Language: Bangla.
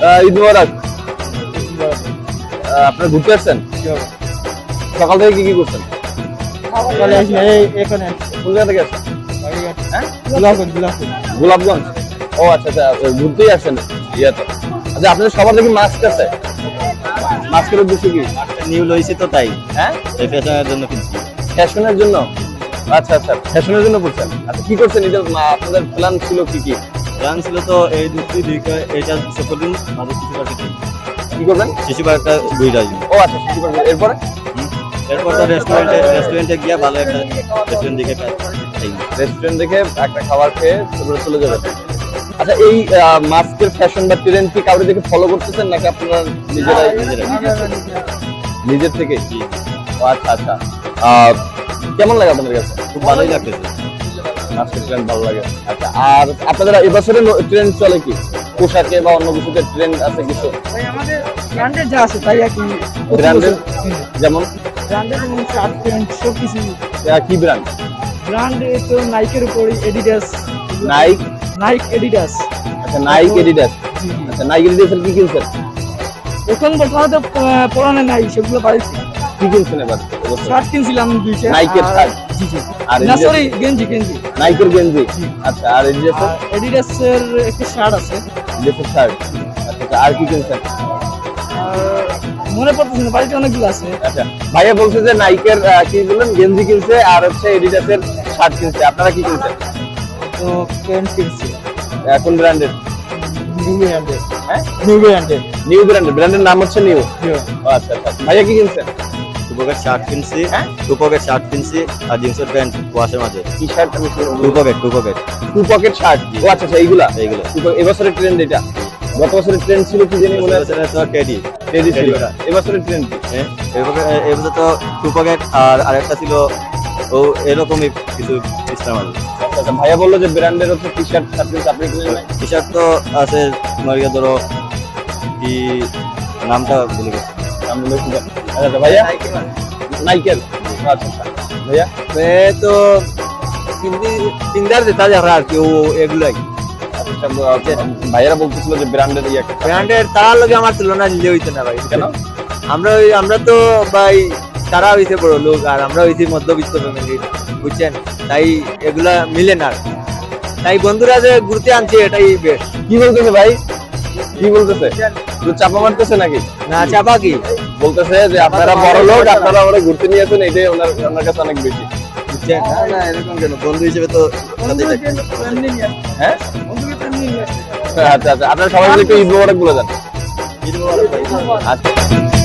ঈদ মোবারক। আপনারা ঘুরতে আসছেন? সকাল থেকে কি করছেন? কোন জায়গা থেকে আসছেন? হ্যাঁ, গোলাপগঞ্জ। ও আচ্ছা আচ্ছা, ঘুরতেই আসছেন ইয়াতে। আচ্ছা, আপনাদের সবার দেখি মাস্ক আছে। মাস্কের উদ্দেশ্য কি? নিউ লইছি তো তাই। হ্যাঁ, এই ফ্যাশনের জন্য কিনছি। ফ্যাশনের জন্য। আচ্ছা আচ্ছা, ফ্যাশনের জন্য করছেন। আচ্ছা, কি করছেন ঈদের? আপনাদের প্ল্যান ছিল কি কি? প্ল্যান ছিল তো এই দুটো এইটা সকল দিন আমাদের কিছু পার্কে কি করবেন? শিশু পার্কটা ঘুরে আসবো। ও আচ্ছা, শিশু পার্ক। এরপরে এরপর তো রেস্টুরেন্টে গিয়ে ভালো একটা রেস্টুরেন্ট দেখে রেস্টুরেন্ট দেখে একটা খাবার খেয়ে তারপরে চলে যাবেন। আচ্ছা, এই মাস্কের ফ্যাশন বা ট্রেন্ড কি কাউকে দেখে ফলো করতেছেন নাকি আপনারা নিজেরাই নিজের থেকে? ও আচ্ছা আচ্ছা, কেমন লাগে আপনাদের কাছে? খুব ভালোই লাগতেছে। মাস্কের ট্রেন্ড ভালো লাগে। আচ্ছা, আর আপনাদের এবছরে ট্রেন্ড চলে কি পোশাকে বা অন্য কিছুতে ট্রেন্ড আছে কিছু? আমাদের ব্র্যান্ডের যা আছে তাই আর কি। ব্র্যান্ডের যেমন ব্র্যান্ডের যেমন শার্ট প্যান্ট সব কিছু। কি ব্র্যান্ড? ব্র্যান্ডে তো নাইকের উপর এডিডাস। নাইক এডিডাস। আচ্ছা, নাইক এডিডাস। আচ্ছা, নাইক এডিডাসের কি কিনছেন? এখন বর্তমানে তো পড়ানো নাই, সেগুলো বাড়িতে। কি কিনছেন এবার? শার্ট কিনছিলাম দুইটা। নাইকের শার্ট। জি জি। আর না সরি, গেঞ্জি। নাইকের গেঞ্জি। আচ্ছা, আর এডিডাসের? এডিডাসের একটা শার্ট আছে। এডিডাসের শার্ট। আচ্ছা আচ্ছা, আর কি কিনছেন? আর মনে পড়তেছে না, বাড়িতে অনেকগুলো আছে। আচ্ছা, ভাইয়া বলছে যে নাইকের কি বললেন গেঞ্জি কিনছে আর হচ্ছে এডিডাসের শার্ট কিনছে। আপনারা কি কিনছেন? তো প্যান্ট কিনছি কোন ব্র্যান্ডের? নিউ ব্র্যান্ডের। হ্যাঁ, নিউ ব্র্যান্ডের। নিউ ব্র্যান্ডের। ব্র্যান্ডের নাম হচ্ছে নিউ। আচ্ছা আচ্ছা, ভাইয়া কি কিনছেন? টুপকের শার্ট কিনছি, টুপকের শার্ট কিনছি আর জিন্সের প্যান্ট ওয়াশের মাঝে। কি শার্ট? টুপকের টু পকেট শার্ট। ও আচ্ছা আচ্ছা, এইগুলা এইগুলো এবছরের ট্রেন্ড। এটা গত বছরের ট্রেন্ড ছিল কি জানি মনে আছে? টেডি টেডি ছিল। এবছরের ট্রেন্ড কি? এবছর তো টুপকেট আর আরেকটা ছিল ও এরকমই কিছু সিস্টেম আছে। আচ্ছা আচ্ছা, ভাইয়া বললো যে ব্র্যান্ডের হচ্ছে টি শার্ট শার্ট কিনছে। আপনি কিনেন নাই? টি শার্ট তো আছে তোমার ইয়ে ধরো কি নামটা ভুলে গেছি। আমি বলেছি যে আচ্ছা আচ্ছা, ভাইয়া নাইকের। আচ্ছা আচ্ছা, ভাইয়া তো সিন্দার যেটা যারা আর কি ও এগুলাই আচ্ছা, ভাইয়ারা বলতেছিল যে ব্র্যান্ডের ইয়ে একটা ব্র্যান্ডের তার লগে আমার তুলনা নিলে হইতো না ভাই। কেন? আমরা তো ভাই তারা হইছে বড় লোক আর আমরা হইছি মধ্যবিত্ত ফ্যামিলি, বুঝছেন? তাই এগুলা মিলে না। তাই বন্ধুরা যে ঘুরতে আনছে এটাই বেশ। কি বলতেছে ভাই? কি বলতেছে? চাপা মারতেছে নাকি? না চাপা কি বলতেছে যে আপনারা বড় লোক, আপনারা আমরা ঘুরতে নিয়েছেন, এটাই ওনার কাছে অনেক বেশি। বুঝছেন? না এরকম কেন, বন্ধু হিসেবে তো সাথেই থাকতে হবে। হ্যাঁ, বন্ধুকে তো এমনি নিয়ে আসতে আচ্ছা আচ্ছা, আপনারা সবাই মিলে একটু ঈদ মোবারক বলে দেন। ঈদ মোবারক ভাই। আচ্ছা।